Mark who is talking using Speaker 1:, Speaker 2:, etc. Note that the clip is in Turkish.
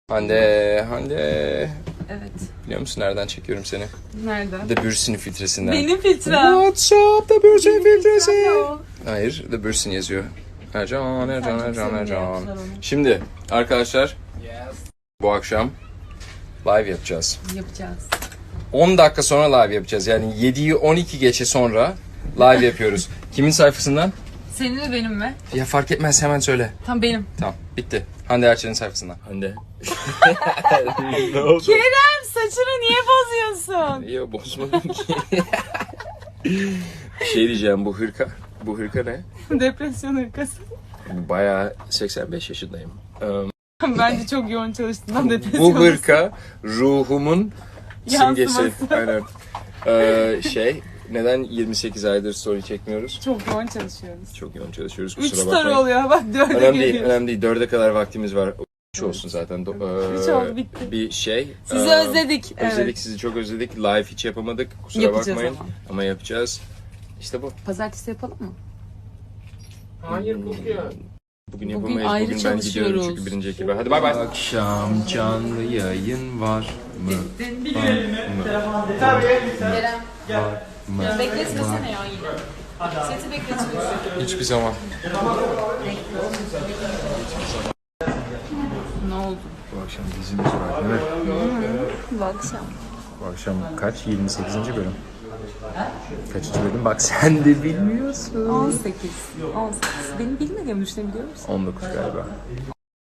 Speaker 1: Hande.
Speaker 2: Evet.
Speaker 1: Biliyor musun nereden çekiyorum seni?
Speaker 2: Nereden?
Speaker 1: The Bürsin filtresinden.
Speaker 2: Benim filtrem.
Speaker 1: What's up The Bürsin filtresi?
Speaker 2: Filtrem.
Speaker 1: Hayır, The Bürsin yazıyor. Ercan.
Speaker 2: çok sevimli yapmışlar onu.
Speaker 1: Şimdi arkadaşlar, bu akşam live yapacağız.
Speaker 2: Yapacağız.
Speaker 1: 10 dakika sonra live yapacağız. Yani 7'yi 12 geçe sonra live yapıyoruz. Kimin sayfasından?
Speaker 2: Senin mi benim mi?
Speaker 1: Ya fark etmez, hemen söyle.
Speaker 2: Tam benim.
Speaker 1: Tamam, bitti. Hande Erçel'in sayfasından. Hande. Ne oldu?
Speaker 2: Kerem, saçını niye bozuyorsun?
Speaker 1: Niye bozmadın ki? Bir şey diyeceğim, bu hırka. Bu hırka ne?
Speaker 2: Depresyon hırkası.
Speaker 1: Bayağı 85 yaşındayım.
Speaker 2: Bence çok yoğun çalıştığından depresyon.
Speaker 1: Bu hırka ruhumun simgesi.
Speaker 2: Yansıması.
Speaker 1: Aynen. Neden 28 aydır story çekmiyoruz?
Speaker 2: Çok yoğun çalışıyoruz.
Speaker 1: Çok yoğun çalışıyoruz,
Speaker 2: 3
Speaker 1: kusura
Speaker 2: story
Speaker 1: bakmayın.
Speaker 2: oluyor bak 4'e
Speaker 1: Önemli değil,
Speaker 2: geliyoruz.
Speaker 1: önemli değil. 4'e kadar vaktimiz var. Üç olsun zaten.
Speaker 2: Üç oldu, bitti.
Speaker 1: Bir şey.
Speaker 2: Sizi özledik.
Speaker 1: Özledik,
Speaker 2: Evet.
Speaker 1: sizi çok özledik. Live hiç yapamadık. Kusura
Speaker 2: Yapacağız
Speaker 1: bakmayın.
Speaker 2: ama.
Speaker 1: Ama yapacağız. İşte bu.
Speaker 2: Pazartesi yapalım mı?
Speaker 3: Hayır kokuyor.
Speaker 1: Bugün
Speaker 2: Bugün
Speaker 1: yapamayız.
Speaker 2: ayrı
Speaker 1: Bugün ben gidiyorum
Speaker 2: çalışıyoruz.
Speaker 1: çünkü birinci ekibe. Hadi bay bay. Akşam canlı yayın var mı?
Speaker 2: Kerem. Bekletmesene ya yine. Seti bekletiyorsun.
Speaker 1: Hiçbir zaman.
Speaker 2: Ne oldu?
Speaker 1: Bu akşam dizimiz var değil mi?
Speaker 2: Bu akşam.
Speaker 1: Bu akşam kaç? 28. bölüm. Kaçıncı bölüm? Bak sen de bilmiyorsun.
Speaker 2: 18. 18. Benim bilmediğimi düşünebiliyor musun?
Speaker 1: 19 galiba.